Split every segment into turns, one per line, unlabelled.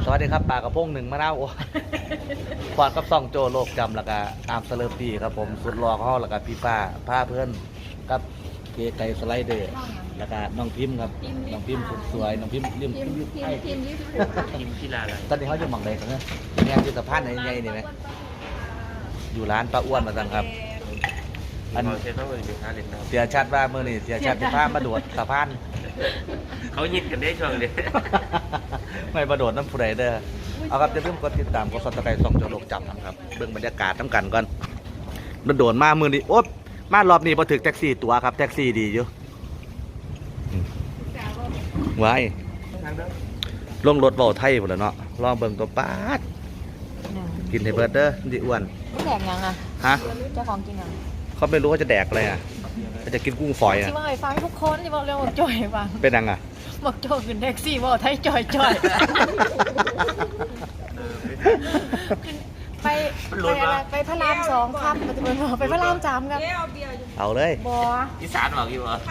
วัสดีครับปากกระพงหนึ่งมะนาวควานกับซ่องโจโลกจำแล้วก็ตามเสลิมปีครับผมสุดรอเขาแล้วก็พี่ป้าผ้าเพื่อนกับเกไก่สไลเดอร์แล้วก็น้องพิมพ์ครับน้องพิมพ์สวยน้องพิมพ์เลี่ยมพิมพ์ที่ลาอะไรตอนนี้เขาอยู่หม่องใดกันเนี่ยงานจิตภาพไหนยังไงนี่ไหมอยู่ร้านป้าอ้วนมาตั้งครับอันเสียชัดว่าเมื่อนี่เสียชัดที่ผ้ามาโดดสะพาน
เขายิดกันได้ช่วงนี้
ไม่ประโดดน้ำผู้ใดเด้อเอาครับจะเริ่มกดติดตามกดซับสไครต์ส่องโจโลกจำนะครับเบื้องบรรยากาศทั้งกันก่อนโดดมามือนี้โอ๊บมารอบนี้พอถึงแท็กซี่ตัวครับแท็กซี่ดีอยู่ไว้ลงรถเบาไทยหมดแล้วเนาะลองเบิ่งตัวป้าดกินให้เบิร์ดเด้อดิอ้วน
แดกยังอ่ะ
ฮะ
เจ้าของกินยัง
เขาไม่รู้ว่าจะแดกอะไรอ่ะจะกินกุ้งฝอยอ่ะ
ที่ว่าไอ้ฟังทุกคนที่บอกเรื่องบอกจ่อยฟัง
เป็นยังอ่ะ
บอกโจขึ้นแท็กซี่บอกไทยจ่อยไปอะไรไปพระราม2ครับไปพระราม3ครับ
เอาเลย
บอ
อีสานบอกอยู่เหรอ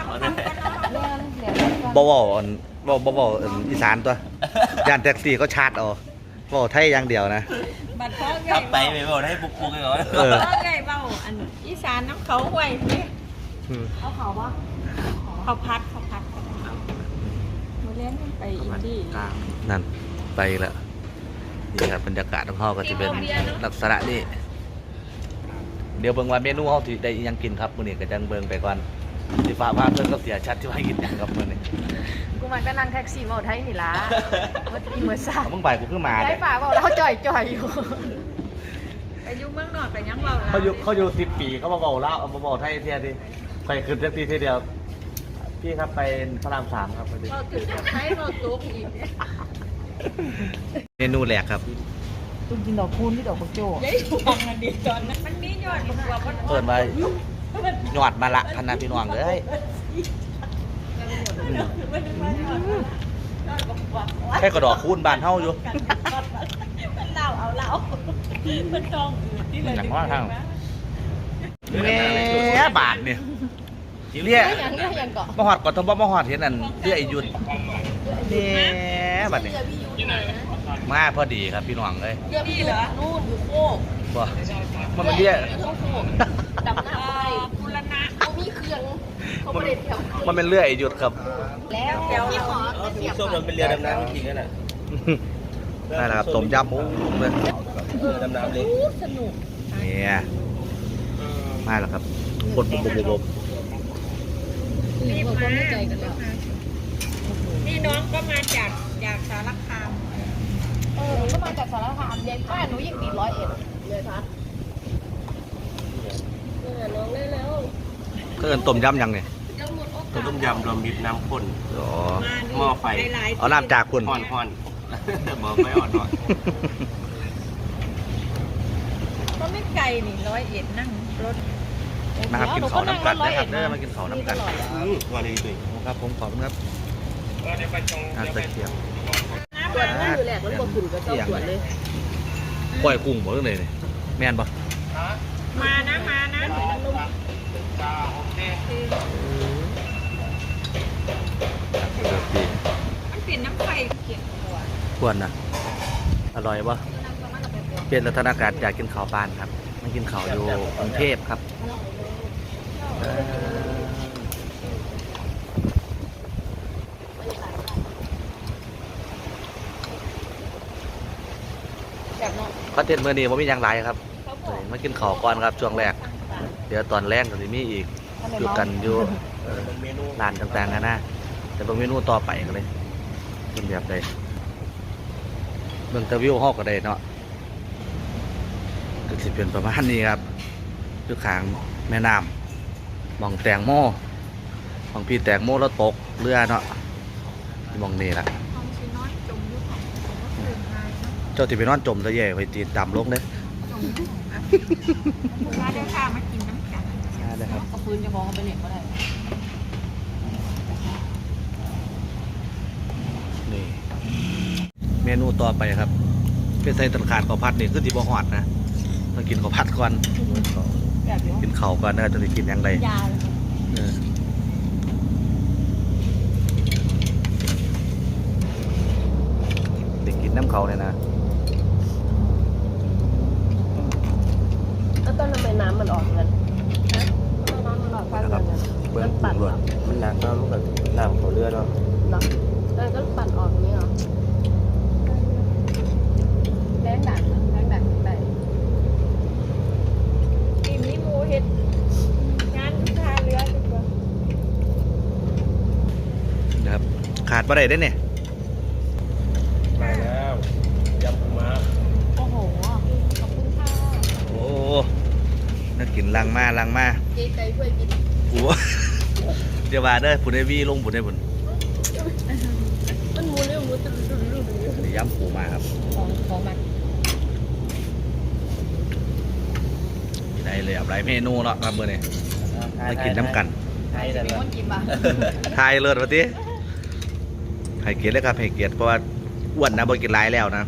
บ่อีสานตัวย่านแท็กซี่ก็ชาร์จเอาบ่ไทยอย่างเดียวนะ
ขับไปไม่บอกให้ปุ๊กๆเลยเหรอ
ไงเบาอันอีสานน้ำเขาห่วยนี่
เขาปะ
เขาพัดมาเล่นไปอินดี้
นั่นไปแล้วนี่ครับบรรยากาศของเขาก็จะเป็นลักษณะนี้เดี๋ยวเบิ่งว่าเมนูเขาที่ได้ยังกินครับมื้อนี้ก็จังเบิ่งไปก่อนสิฟ้าพาเพิ่นก็เสียชัดที่ว่ากินยังครับมื้อนี้
กูมันก็นั่งแท็กซี่บอกไทยนี่ล่ะเมื่อสาว
มึงไปกูขึ้นมา
ได้ฝากบอกแล้วเขาจ่อยอยู่
ไปยุ่งเมืองนอกแต่ยังเบา
เขาอยู่10 ปีเขามาบอกแล้วมาบอกไทยเที่ยดิไปขึ้นแท็กซี่ทีเดียวพี่ครับไปพระราม3ครับ
เราถือกับไทยเราตุ๊กอีก
เมนูแรกครับ
ตุ้มกินดอกคูณที่ดอกบักโจ้
ยัยฟังมันดีตอนนั้นมันมียอดกว่า
เปิดมาหยอดมาละพันนาพี่น้องเลยแค่กระดอกคูณบานเท่าอยู่
มันเล่าเอาเล่ามันตองอื่นที่เลย
อย่างว่าทางแง่บาทเนี่ยเรียกมหอดก่อนทบมหอดเห็นอันเรียกไอยุนเนี่ยบัดนี้มาพอดีครับพี่น้องเลย
นี่เหรอนู่นอยู่โคก
บ่มันเรียก
ดำน้ำไปบุรณะเขามีเครื่องเขาไม่ได้เที่ยว
มันเป็นเรือไอยุดครับ
แล้วเดี๋ยวพี่ขอ
ส้มมันเป็นเรือดำน้ำจริงๆน่ะ
นั่นแหละครับต้มยำหมูเลย
ดำน้ำเลย
สนุก
เนี่ยมาแล้วครับบด
นี่มาใจกันแล้วนี่น้องก็มาจากสารคาม
ก็มาจากสารคามเย็นบ้านหนูยังติด101เลยพัด
น้องได้แล้ว
ก็เอินต้มยำยังเนี่ย
ต้มยำรวมมิตรน้ำข้นหม้อไฟ
เอาน้ำจากคุณ
ห่อนหม้อไฟอ่อน
ก็ไม่ไกลนี่101นั่งรถ
มาครับกินเขาน้ำกันนะครับเด้อมากินเขาน้ำกัน
วันนี้ด้วย
ครับผมขอบคุณครับอาตะเกียบ
ส่วนนั้นอยู่แหละมันบดขุ่นกับเจ้าส่วนเลย
ปล่อยกุ้งหมดเลยเนี่ยแม่นปะ
มานะมันเปลี่ยนน้ำไฟเขียน
ควรนะอร่อยปะเปลี่ยนสถานการณ์อยากกินข้าวปานครับมากินข้าวอยู่กรุงเทพครับคอนเทนต์มื้อนี้ผมมีอย่างไรครับมากินข้าวก่อนครับช่วงแรกเดี๋ยวตอนแรกก็จะมีอีกอยู่กันอยู่ร้านต่างๆนะแต่บางเมนูต่อไปกันเลยเป็นแบบใดเบื้องตะวิวห้องก็ได้เนาะก็จะเป็นประมาณนี้ครับอยู่ข้างแม่น้ำมองแตงโมมองพี่แตงโมแล้วตกเรือเนาะมองนี่ละเจ้าที่ไปนอนจมตะแย่ไปตีดำลงเลย
มาเดี๋ยวข้ามากินน้ำกัน
ได้ครับ
เอาปืนจะมองเขาไปเล่นก็ได้
นี่เมนูต่อไปครับเป็นไส้ตันขาดข้าวผัดนี่คือที่บ่หอดนะต้องกินข้าวผัดก่อนกินข้าวก่อนนะจะได้กินอย่างไรได้กินน้ำเขาเลยนะ
แล้วต้นทำไมน้ำมันออกเงินทำไมน้ำมันออกข้างเงิน
เบิ้งปั่นรวดมันหนักเนาะมันแบบน้ำเขาเรือเนาะ
เนาะแล้วก็ปั่นออกนี้เหรอแรงดันไป
ทีมนี้หมูเห็ดงานทาเรือดีกว่า
นะครับขาดบ่ได้เด้เนี่ย
มาแล้วยำปูม้า
โอ้โหขอบคุณค่ะ
โอ้น่ากินลังมา
เจ๊ใจช่วยกิน
โอ้เดี๋ยวว่าเด้อผุนได้วีลงผุนได้ผุน
มันมูเรื่องมูตื่น
เดี๋ยวย้ำปูมาครับ
ของมัน
ได้เลยหลายเมนูเนาะครับมื้อนี้มากินน้ำกัน
ไทยแต่
มี
ละ
คนกินป่ะ
ทายเลิศวะติให้เกียรติเลยครับให้เกียรติเพราะว่าอ้วนนะบ่กินหลายแล้วนะ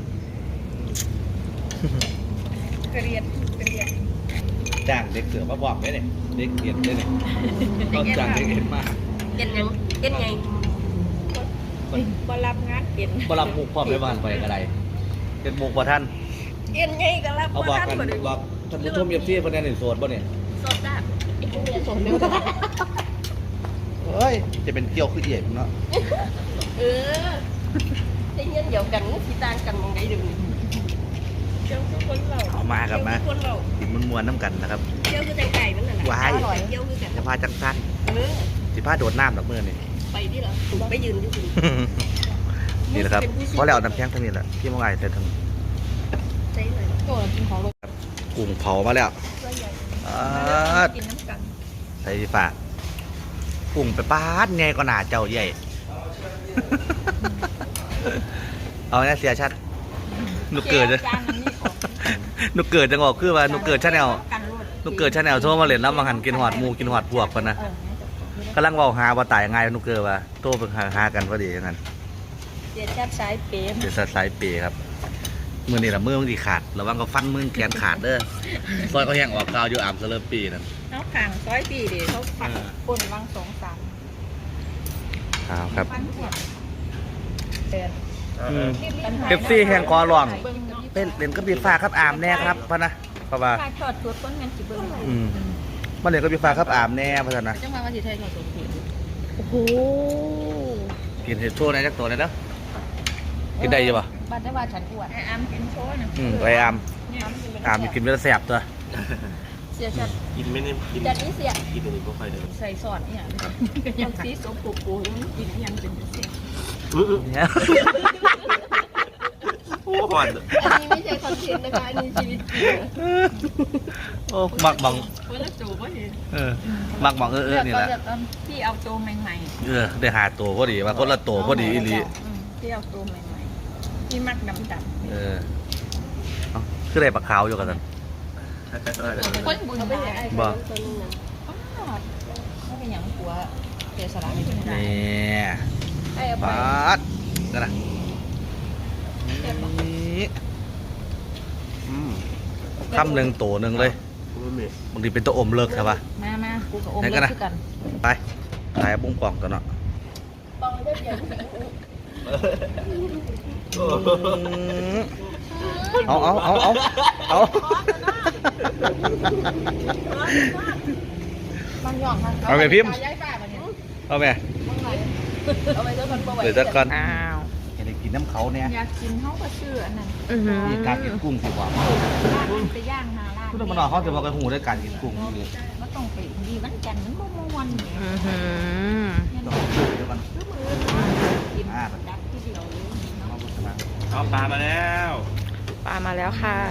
เกลียด
จ้างเด็กเสือมาบอกได้เนี่ยเด็กเกียรติได้เนี่ยต้องจ้างเด็กเอ็นมา
เย็นยังเย็นไง
บ่รับงานเป็น
บ่รับมุกพร้อมได้บ้านไปก็ได้เป็นมุกบ่ท่าน
เอ็นไงก็รับ
เอาบอกกันบอกท่านผู้ชมFCเพิ่นแน่นโสดบ่เนี่ย
สดจ้ะสดเร็ว
เฮ้ยจะเป็นเกี่ยวคือเอียดเนาะ
ได้เงี้ยเดียวกันสีต่างกันมองไงดู
เจ้าคือคนเรา
เอามาครับมา
คนเรา
กินมวนๆน้ำกันนะครับ
เจ้าคือไก่มันน่ะนะ
วาย
อร่อย
เจ้าคือกัน
จะพาจังสั้น
เออ
สิพาโดดน้ำดอกมือนี่
ไปดิเหรอไปยืนที่คุณ
นี่แหละครับเพราะแล้วเอาน้ำแข็งทั้งนี้แหละที่เมื่อไงใส่ทั้ง
ใจเลย
โอ้ยกินของรส
กุ้งเผามาแล้ว
ตัวใหญ่
กิน
น้ำกัน
ใส่ฝากกุ้งไปปาดไงก็หนาเจ้าใหญ่ เอาเนี่ยเสียชัดหนูเกิดจะ
จานนี้ออก
หนูเกิดจังออกคือว่าหนูเกิดชาแนล
กันรวด
หนูเกิดชาแนลโทรมาเล่นแล้วมาหันกินหอดหมูกินหอดพวกกันนะกำลังเว่าหาว่าตายง่ายหนูเกิดว่าโทรไปหากันพอดีอย่างนั้น
เดี๋ยวจัดสายเปม
เดี๋ยวสายเปย์ครับมือนี่ละมือมันดีขาดระวังก็ฟันมือแขนขาดเด้อซอยก็แห้งออกกาวอยู่อ่ำเสลอปีนั่น
เขาขังซอยปีเดี๋ยวเขาผัดคนวัง2-3
ครับ
ปันหัวเดิน
เอฟซีแห่งกอหลวงเป็นเล่นก็บีฟ้าครับอามแน่ครับพะนะเพราะว่า
ถ้าทอดตัวต้นงั้นสิเบิ่ง
มันเล่นก็บีฟ้าครับอามแน่พะนะ
จังหวะว่าสิไทยถอดสมผิด
โอ้โห
กินเห็ดโชว์ในจักตัวเลยเนาะกินได้ยังปะ
บ้านได้ว่าฉันอ้วน
ไออามกินโชว์นะ
ไปอามอามกินเวลาแสบตัว
เสียชัด
กินไม่ได้กิน
จัดนี้เสีย
กินตัวนี้ก็ค่อยเดิน
ใส่ซอสเนี่ย
ยังสีสมปูปูมันกินยังเป็นเสีย
เนี่ย
โอ้หอน
อันนี้ไม่ใช่คอนเทนต์นะคะอันนี้ชีวิตจริง
โอ้มักบัง
คนละโจก็เห็น
มักบังนี่แหละ
พี่เอาโจใหม่
ได้หาตัวพอดีว่าคนละตัวพอดีอีหลี
ๆพี่เอาโจใหม่ๆพี่มักดำ
เคือได้ปลาขาวอยู่กัน
คนบุญไปไหน
บ่
ๆเขาเป็นอย่างหัวเจสระไม่เป็นไร
นี่
ไอ้ไป
ปาดกันนะนี่คำหนึ่งตัวหนึ่งเลย
ไม่มี
บางทีเป็นตัวอมเลิกใช่ปะ
มากูกับอม
ไหน
เลิ
กันนะ
กกัน
ไปถ่ายบุ้งกล่องตัวเนาะ
ปองได้เปลี่ยน
เอา
บางหย่องค่ะ
เอาไปพิมพ์
ย้ายป้ามาเนี่ย
เอาไหม
เอาไปเจอคนประวัติ
เดี๋ยวจะก่อน
อ้าว
จะได้กินน้ำเขาเนี่ย
อยากกินเขาก็ชื่ออันนั้น
มีการกินกุ้งสิว่า
ไปย่างนาลาด
คุณต้องมานอนเขาจะบอกกันหูด้วยการกินกุ้งนี่
มันต้องไปดีมันจันมันบ่ม่วนเนี่ย
ต้องดูเดี๋ยวก่อน
คือมือกินดับที่เดียวเลยเนาะ
เอาปลามาแล้ว
ปลามาแล้วค่ะ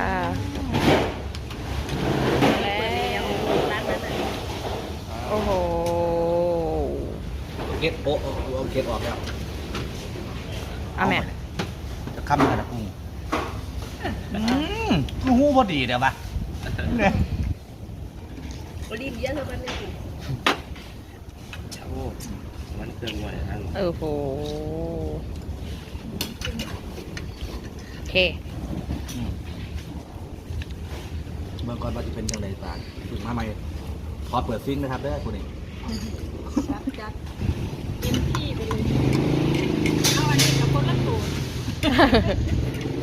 แล้วร้านนั้นน่ะ
โอ้โห
เก็ดโป๊ะเอาเก็ดออกแล้ว
เอาแม่
จะค้ำกันนะกุ้งหูพอดีเดี๋ยวปะ
รีบเยอะเท่ากันเนี่ย
โอ้มันเครื่องไหวทั้ง
โอ้โห โอเค
เมื่อก่อนว่าจะเป็นยังไงตาถึงมาใหม่ขอเปิดซิงค์นะครับเด้อคุณเอง
จัดเต็มที่ไปเลยเอาอันนี้กับคนละตัว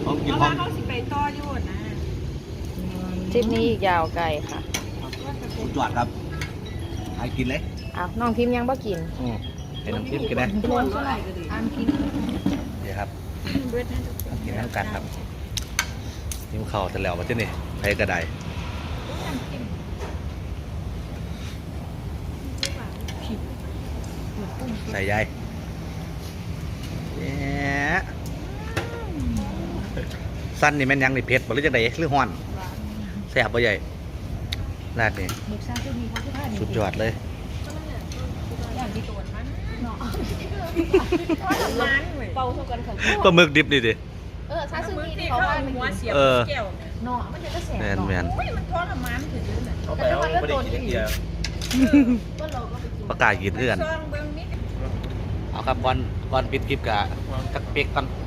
ของกิน
เพราะ
ของ
ว่าเขาสิไปต่ออยู่นะ
ทริปนี้อีกยาวไกลค่ะ
สุดยอดครับให้กินเลย
อ้าวน้องพิมพ์ยังบ่กิน
ให้น้ำจิ้มกินนะ
โดนอะไรก็ดีอันกิน
เดี๋ยวครับ
เบิดนั่น
กินน้ำกันครับนิ้วเข่าจะแล้วมาที่นี่ใครกระไดใส่ใยเนี่ยสั้นนี่แม่นยังนี่เผ็ดบ่หรือจังไดหรือฮ้อนแซ่บบ่ใหญ่ราดนี่
หมึกซาซิมิเขาคือผ้า
สุดยอดเลย
อย่างที่ตัวมันเนาะมันเว้ย
เบาเท่ากันค่ะ
ปลาหมึกดิบนี่ดิ
ซาซิ
มื
มิ
อ
ที่
ที่
เขา
เขา
ว่า
เอา
มัน
หัวเสียบ
เออ
แก้วเนี่ย
เนาะมันจะก็แสบ
แมน
เนาะ
แมน
โอ้ยมันทรมานถึงเลย
เอาไปเอาไม่ได้กินเดียว
ก็เราก็ไปกิน
ประกาศกินเอื้อน
ซองเบิ่งนิด
เอาครับก่อนปิดคลิปกะจักเป๊กก่อน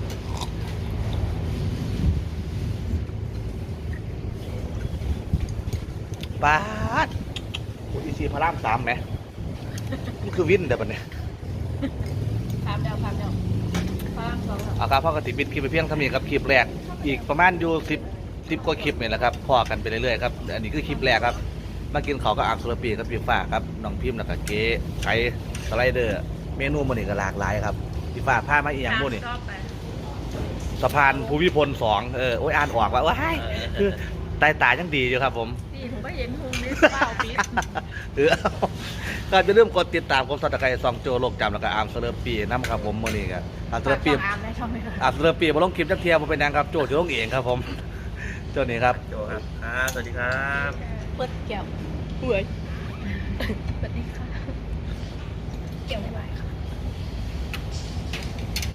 ปาดโอ้ยอีซีพระราม3ไหมนี่คือวินเดี๋ยวบัดเนี่ย
พามเดาพามสอง
เอาครับพ่อกติปิดคลิปไปเพียงเท่านี้ครับคลิปแรกอีกประมาณอยู่10กว่าคลิปนี่แหละครับพอกันไปเรื่อยๆครับอันนี้คือคลิปแรกครับมากินเขาวก็อ่างสุรปีกับพี่ฟ้าครับน้องพิมพ์แล้วก็เก๋ไก่สไลเดอร์เมนูมันนี่ก็หลากหลายครับพี่ฟ้าพามาอีกอย่างพวกนี้
ชอบไป
สะพานภูมิพล2โอ้ยอ่านออกว่าว้ายคือตายตายังดีอยู่ครับผม
นี่ผมก็เห็นหุงนี่เปล่าปิด
ก็จะเริ่มกดติดตามกดซับสไครต์ซองโจโลกจำแล้วก็อาร์มเซเลอร์ปีน้ำครับผมมื่อนี้ครับอาร์มเซเลอร์ปี
อามได้ชอบไหมคะ
อาร์มเซเลอร์ปีมาลงคลิปจักเทียมาเป็นยังครับโจจะลงเองครับผมโจนี่ครับ
โจครับสวัสดีครับ
เปิดแก้ว
เฮ้ย
สวัสดีค่ะ